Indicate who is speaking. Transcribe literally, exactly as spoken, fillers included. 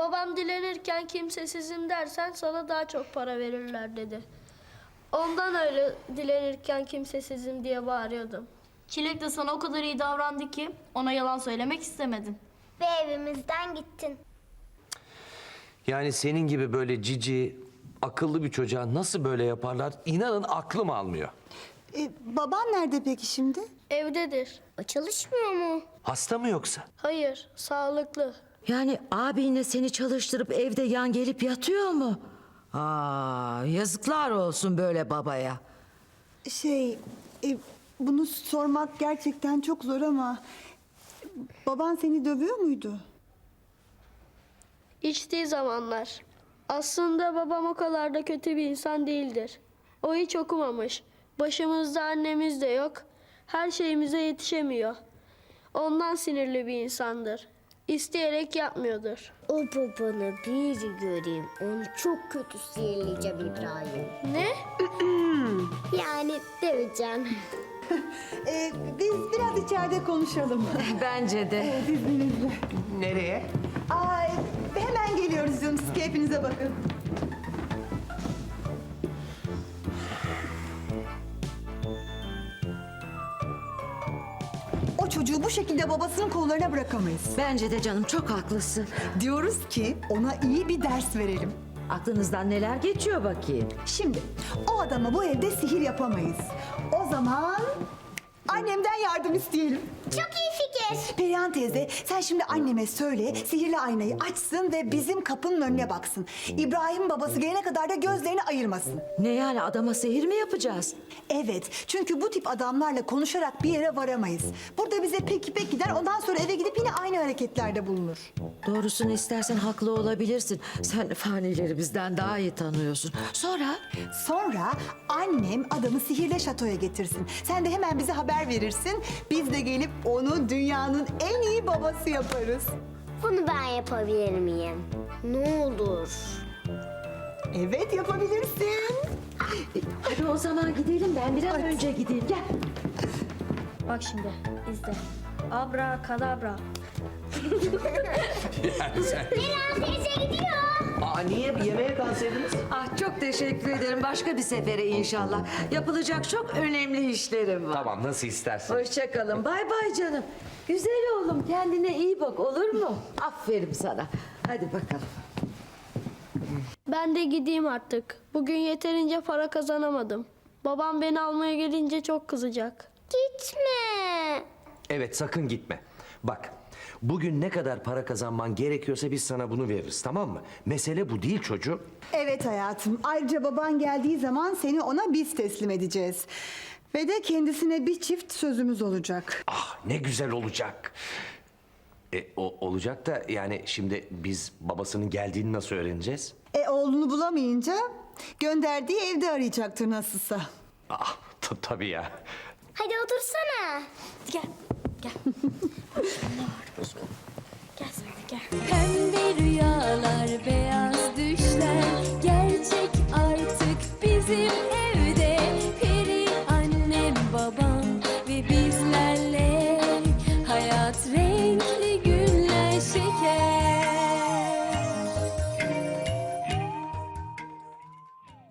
Speaker 1: Babam dilenirken kimsesizim dersen sana daha çok para verirler dedi. Ondan öyle dilenirken kimsesizim diye bağırıyordum.
Speaker 2: Çilek de sana o kadar iyi davrandı ki ona yalan söylemek istemedin.
Speaker 3: Ve evimizden gittin.
Speaker 4: Yani senin gibi böyle cici, akıllı bir çocuğa nasıl böyle yaparlar? İnanın aklım almıyor.
Speaker 5: E, baban nerede peki şimdi?
Speaker 1: Evdedir.
Speaker 3: O çalışmıyor mu?
Speaker 4: Hasta mı yoksa?
Speaker 1: Hayır, sağlıklı.
Speaker 6: Yani abinle seni çalıştırıp evde yan gelip yatıyor mu? Aa, yazıklar olsun böyle babaya.
Speaker 5: Şey, e, bunu sormak gerçekten çok zor ama... Baban seni dövüyor muydu?
Speaker 1: İçtiği zamanlar. Aslında babam o kadar da kötü bir insan değildir. O hiç okumamış. Başımızda annemiz de yok. Her şeyimize yetişemiyor. Ondan sinirli bir insandır. İsteyerek yapmıyordur.
Speaker 3: O babanı bir göreyim. Onu çok kötü sinirleyeceğim İbrahim.
Speaker 1: Ne?
Speaker 3: Yani döveceğim.
Speaker 5: E, biz biraz içeride konuşalım.
Speaker 6: Bence de.
Speaker 5: Evet, izninizle.
Speaker 4: Nereye?
Speaker 5: Aa, e, hemen geliyoruz canım. Siz keyfinize bakın. O çocuğu bu şekilde babasının kollarına bırakamayız.
Speaker 6: Bence de canım, çok haklısın.
Speaker 5: Diyoruz ki ona iyi bir ders verelim.
Speaker 6: Aklınızdan neler geçiyor bakayım?
Speaker 5: Şimdi o adama bu evde sihir yapamayız. O zaman annemden yardım isteyelim.
Speaker 3: Çok iyi fikir.
Speaker 5: Perihan teyze, sen şimdi anneme söyle, sihirli aynayı açsın ve bizim kapının önüne baksın. İbrahim babası gelene kadar da gözlerini ayırmasın.
Speaker 6: Ne yani, adama sihir mi yapacağız?
Speaker 5: Evet, çünkü bu tip adamlarla konuşarak bir yere varamayız. Burada bize peki peki der, ondan sonra eve gidip yine aynı hareketlerde bulunur.
Speaker 6: Doğrusunu istersen haklı olabilirsin. Sen fanileri bizden daha iyi tanıyorsun. Sonra?
Speaker 5: Sonra annem adamı sihirle şatoya getirsin. Sen de hemen bize haber verirsin. Biz de gelip onu dünyanın en iyi babası yaparız.
Speaker 3: Bunu ben yapabilir miyim? Ne olur.
Speaker 5: Evet, yapabilirsin.
Speaker 6: Hadi o zaman gidelim, ben bir an önce gideyim. Gel.
Speaker 1: Bak şimdi, izle. Abra kadabra.
Speaker 3: Perihan teyze gidiyor.
Speaker 4: Aa, niye? Yemeğe kalsaydınız?
Speaker 6: Ah, çok teşekkür ederim. Başka bir sefere inşallah. Yapılacak çok önemli işlerim var.
Speaker 4: Tamam, nasıl istersen.
Speaker 6: Hoşça kalın. Bay bay canım. Güzel oğlum, kendine iyi bak, olur mu? Aferin sana. Hadi bakalım.
Speaker 1: Ben de gideyim artık. Bugün yeterince para kazanamadım. Babam beni almaya gelince çok kızacak.
Speaker 3: Gitme.
Speaker 4: Evet, sakın gitme. Bak, bugün ne kadar para kazanman gerekiyorsa biz sana bunu veririz, tamam mı? Mesele bu değil çocuğum.
Speaker 5: Evet hayatım. Ayrıca baban geldiği zaman seni ona biz teslim edeceğiz. Ve de kendisine bir çift sözümüz olacak.
Speaker 4: Ah, ne güzel olacak. E, o olacak da yani şimdi biz babasının geldiğini nasıl öğreneceğiz?
Speaker 5: E oğlunu bulamayınca gönderdiği evde arayacaktır nasılsa.
Speaker 4: Ah, t- tabii ya.
Speaker 3: Hadi otursana.
Speaker 1: Gel, gel. Ne var? Gel sen de gel.
Speaker 7: Pembe rüyalar, beyaz